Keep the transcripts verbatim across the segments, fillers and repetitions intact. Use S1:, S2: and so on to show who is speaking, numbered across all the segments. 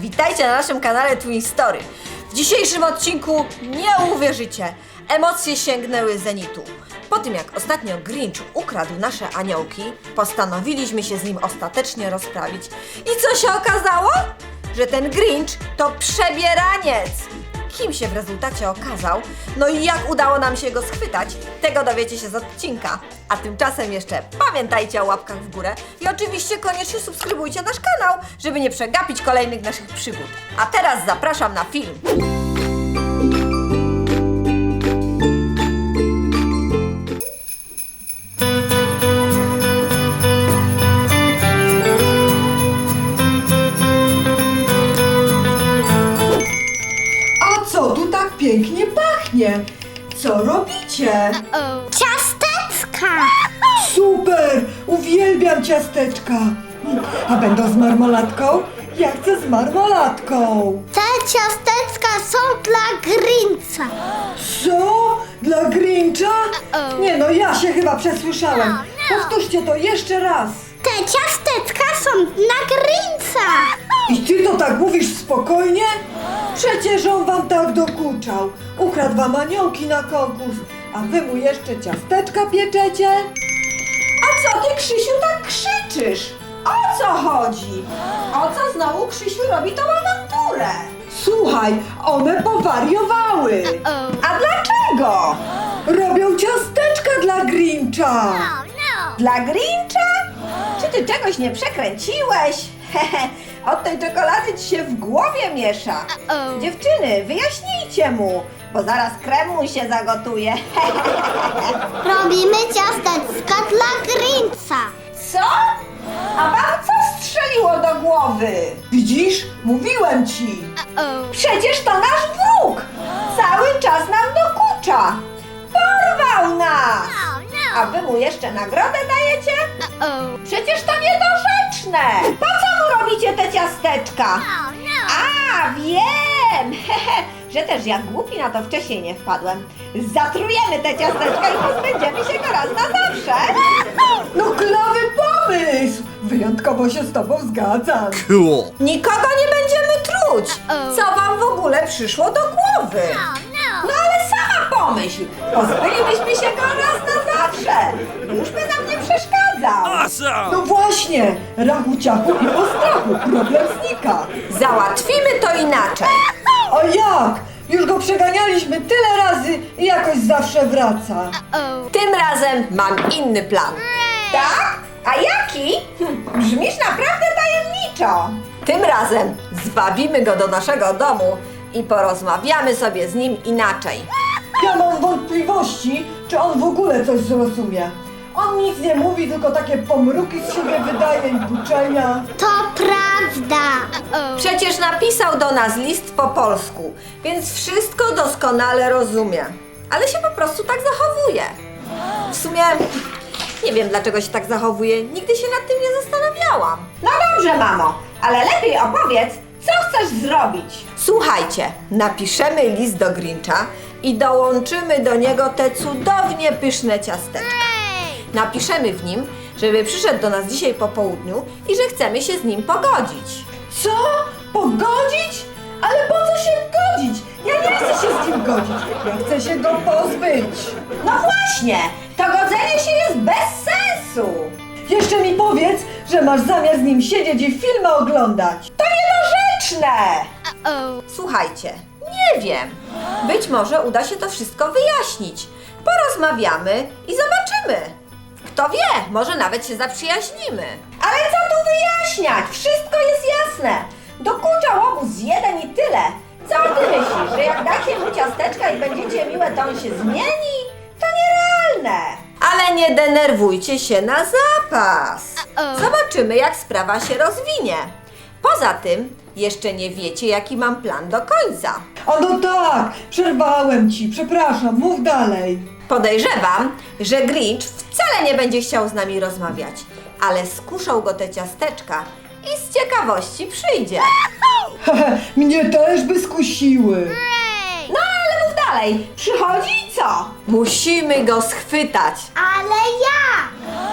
S1: Witajcie na naszym kanale Twin Story. W dzisiejszym odcinku nie uwierzycie, emocje sięgnęły zenitu. Po tym jak ostatnio Grinch ukradł nasze aniołki, postanowiliśmy się z nim ostatecznie rozprawić. I co się okazało? Że ten Grinch to przebieraniec. Kim się w rezultacie okazał, no i jak udało nam się go schwytać, tego dowiecie się z odcinka. A tymczasem jeszcze pamiętajcie o łapkach w górę i oczywiście koniecznie subskrybujcie nasz kanał, żeby nie przegapić kolejnych naszych przygód. A teraz zapraszam na film.
S2: Co tu tak pięknie pachnie? Co robicie?
S3: Ciasteczka!
S2: Super! Uwielbiam ciasteczka! A będą z marmolatką? Ja chcę z marmolatką!
S3: Te ciasteczka są dla Grincha.
S2: Co? Dla Grincha? Nie no, ja się chyba przesłyszałem. Powtórzcie to jeszcze raz.
S3: Te ciasteczka są dla Grincha.
S2: I ty to tak mówisz spokojnie? Przecież on wam tak dokuczał. Ukradł wam aniołki na konkurs, a wy mu jeszcze ciasteczka pieczecie? A co ty, Krzysiu, tak krzyczysz? O co chodzi?
S1: O co znowu Krzysiu robi tą awanturę?
S2: Słuchaj, one powariowały.
S1: A dlaczego?
S2: Robią ciasteczka dla Grincha.
S1: Dla Grincha? Czy ty czegoś nie przekręciłeś? Hehe, od tej czekolady ci się w głowie miesza. Dziewczyny, wyjaśnijcie mu, bo zaraz krem mu się zagotuje.
S3: Robimy ciasteczka dla Grincha.
S1: Co? A wam co strzeliło do głowy?
S2: Widzisz? Mówiłem ci.
S1: Przecież to nasz wróg! Cały czas nam dokucza! Porwał nas! A wy mu jeszcze nagrodę dajecie? Przecież to niedorzeczne! Po co mu robicie te ciasteczka? A, wiem! Hehe, że też ja głupi na to wcześniej nie wpadłem. Zatrujemy te ciasteczka i pozbędziemy się go raz na zawsze!
S2: No klawy pomysł! Wyjątkowo się z tobą zgadzam.
S4: Cool.
S1: Nikogo nie będziemy truć! Co wam w ogóle przyszło do głowy? No ale sama pomyśl! Pozbylibyśmy się go raz na zawsze! Już by nam nie przeszkadzał!
S4: Awesome.
S2: No właśnie! Rachu ciachu i po strachu. Problem znika.
S1: Załatwimy to inaczej!
S2: A jak? Już go przeganialiśmy tyle razy i jakoś zawsze wraca.
S1: Tym razem mam inny plan. Tak? A jaki? Hm, brzmisz naprawdę tajemniczo. Tym razem zwabimy go do naszego domu i porozmawiamy sobie z nim inaczej.
S2: Ja mam wątpliwości, czy on w ogóle coś zrozumie. On nic nie mówi, tylko takie pomruki z siebie wydaje i buczenia.
S3: To prawda.
S1: Przecież napisał do nas list po polsku, więc wszystko doskonale rozumie. Ale się po prostu tak zachowuje. W sumie nie wiem, dlaczego się tak zachowuje. Nigdy się nad tym nie zastanawiałam. No dobrze, mamo, ale lepiej opowiedz, co chcesz zrobić. Słuchajcie, napiszemy list do Grincha i dołączymy do niego te cudownie pyszne ciasteczka. Napiszemy w nim, żeby przyszedł do nas dzisiaj po południu i że chcemy się z nim pogodzić.
S2: Co? Pogodzić? Ale po co się godzić? Ja nie chcę się z nim godzić. Ja chcę się go pozbyć.
S1: No właśnie, to godzenie się jest bez sensu.
S2: Jeszcze mi powiedz, że masz zamiar z nim siedzieć i filmy oglądać.
S1: To niedorzeczne. Słuchajcie, nie wiem. Być może uda się to wszystko wyjaśnić. Porozmawiamy i zobaczymy. Kto wie, może nawet się zaprzyjaźnimy. Ale co tu wyjaśniać? Wszystko jest jasne. Dokuczał obóz jeden i tyle. Co ty myślisz, że jak dacie mu ciasteczka i będziecie miłe, to on się zmieni? To nierealne. Ale nie denerwujcie się na zapas. Zobaczymy, jak sprawa się rozwinie. Poza tym, jeszcze nie wiecie, jaki mam plan do końca.
S2: O no tak, przerwałem ci, przepraszam, mów dalej.
S1: Podejrzewam, że Grinch wcale nie będzie chciał z nami rozmawiać, ale skuszą go te ciasteczka i z ciekawości przyjdzie.
S2: Hehe, mnie też by skusiły.
S1: No ale mów dalej, przychodzi i co? Musimy go schwytać.
S3: Ale ja.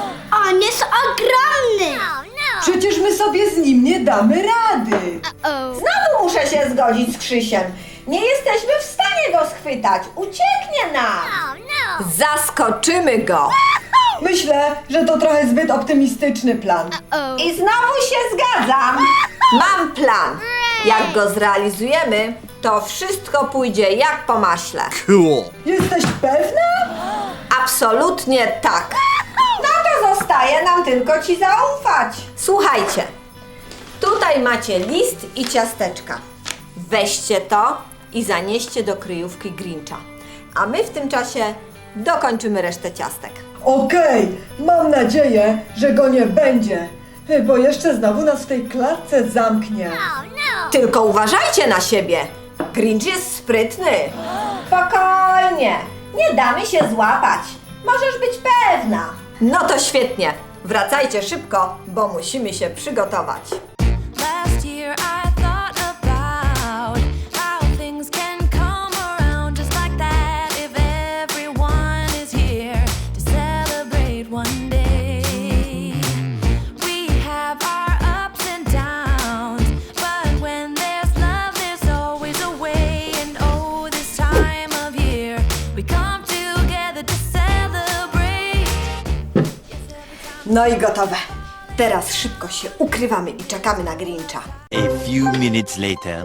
S3: On jest ogromny.
S2: Przecież my sobie z nim nie damy rady.
S1: Znowu się zgodzić z Krzysiem. Nie jesteśmy w stanie go schwytać. Ucieknie nam. Zaskoczymy go.
S2: Myślę, że to trochę zbyt optymistyczny plan.
S1: I znowu się zgadzam. Mam plan. Jak go zrealizujemy, to wszystko pójdzie jak po maśle.
S4: Cool.
S2: Jesteś pewna?
S1: Absolutnie tak. No to zostaje nam tylko ci zaufać. Słuchajcie, tutaj macie list i ciasteczka. Weźcie to i zanieście do kryjówki Grincha. A my w tym czasie dokończymy resztę ciastek.
S2: Okej, mam nadzieję, że go nie będzie, bo jeszcze znowu nas w tej klatce zamknie.
S1: Tylko uważajcie na siebie. Grinch jest sprytny. Spokojnie, nie damy się złapać. Możesz być pewna. No to świetnie. Wracajcie szybko, bo musimy się przygotować.
S5: Last year I thought about how things can come around just like that if everyone is here to celebrate one day. We have our ups and downs, but when there's love there's always a way. And oh, this time of year we come together to celebrate.
S1: No i gotowe. Teraz szybko się ukrywamy i czekamy na Grincha.
S4: A few minutes later.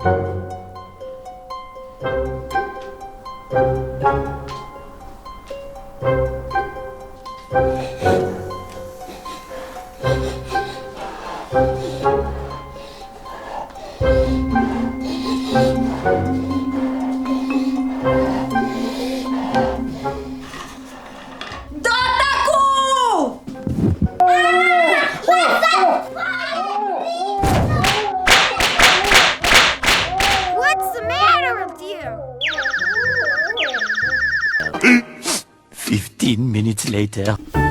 S1: Do ataku!
S3: What's the matter with you?
S4: Fifteen minutes later.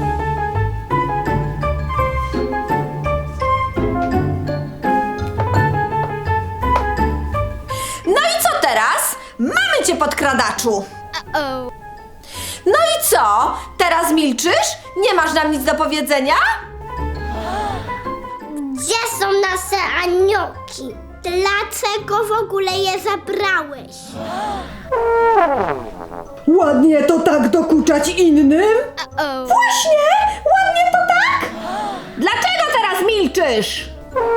S1: No i co teraz? Mamy cię, podkradaczu!
S3: Uh-oh.
S1: No i co? Teraz milczysz? Nie masz nam nic do powiedzenia?
S3: Gdzie są nasze aniołki? Dlaczego w ogóle je zabrałeś?
S2: Ładnie to tak dokuczać innym?
S3: Uh-oh.
S1: Właśnie! Ładnie to tak! Dlaczego teraz milczysz?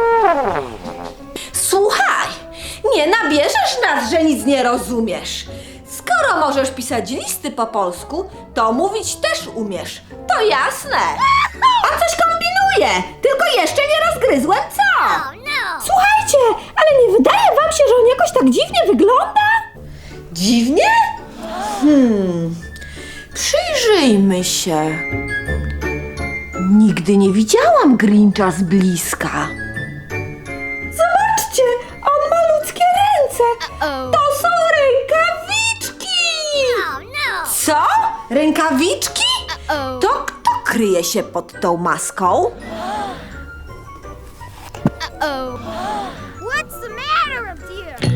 S1: Słuchaj, nie nabierzesz nas, że nic nie rozumiesz. Skoro możesz pisać listy po polsku, to mówić też umiesz. To jasne. A coś kombinuję, tylko jeszcze nie rozgryzłem co.
S3: No.
S1: Słuchajcie, ale nie wydaje wam się, że on jakoś tak dziwnie wygląda? Dziwnie? Hmm, przyjrzyjmy się. Nigdy nie widziałam Grincha z bliska. Zobaczcie, on ma ludzkie ręce.
S3: Uh-oh.
S1: To są rękawiczki!
S3: Oh no.
S1: Co? Rękawiczki?
S3: Uh-oh.
S1: To kto kryje się pod tą maską?
S3: Uh-oh. What's the matter with you?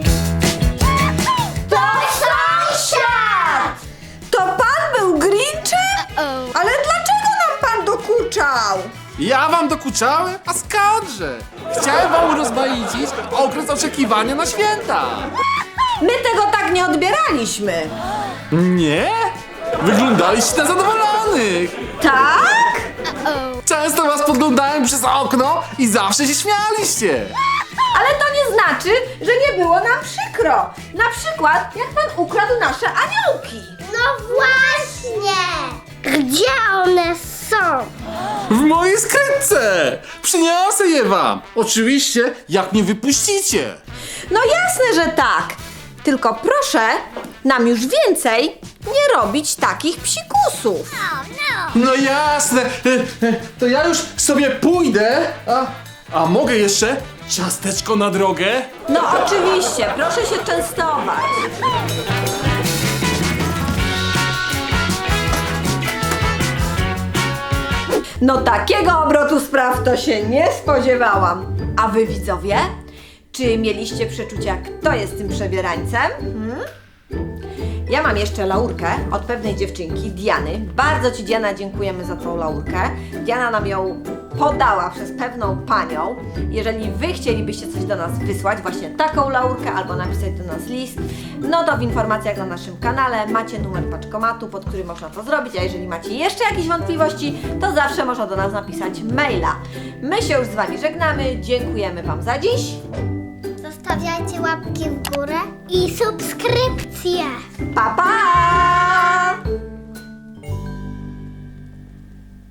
S1: To sąsiad! To pan był Grinchem?
S3: Uh-oh.
S1: Ale dlaczego nam pan dokuczał?
S6: Ja wam dokuczałem? A skądże? Chciałem wam rozmaicić okres oczekiwania na święta.
S1: My tego tak nie odbieraliśmy.
S6: Nie? Wyglądaliście na zadowolonych.
S1: Tak?
S3: Uh-oh.
S6: Często was podglądałem przez okno i zawsze się śmialiście.
S1: Ale to nie znaczy, że nie było nam przykro. Na przykład, jak pan ukradł nasze aniołki.
S3: No właśnie! Gdzie one są?
S6: W mojej skrytce. Przyniosę je wam. Oczywiście, jak mnie wypuścicie.
S1: No jasne, że tak. Tylko proszę nam już więcej nie robić takich psikusów.
S3: Oh no.
S6: No jasne. E, e, To ja już sobie pójdę. A, a mogę jeszcze ciasteczko na drogę?
S1: No oczywiście, proszę się częstować. No takiego obrotu spraw to się nie spodziewałam. A wy widzowie? Czy mieliście przeczucia, kto jest tym przebierańcem? Hmm? Ja mam jeszcze laurkę od pewnej dziewczynki, Diany. Bardzo ci, Diana, dziękujemy za tą laurkę. Diana nam ją podała przez pewną panią. Jeżeli wy chcielibyście coś do nas wysłać, właśnie taką laurkę, albo napisać do nas list, no to w informacjach na naszym kanale macie numer paczkomatu, pod który można to zrobić, a jeżeli macie jeszcze jakieś wątpliwości, to zawsze można do nas napisać maila. My się już z wami żegnamy, dziękujemy wam za dziś.
S3: Zostawiajcie łapki w górę i subskrypcje.
S1: Pa, pa!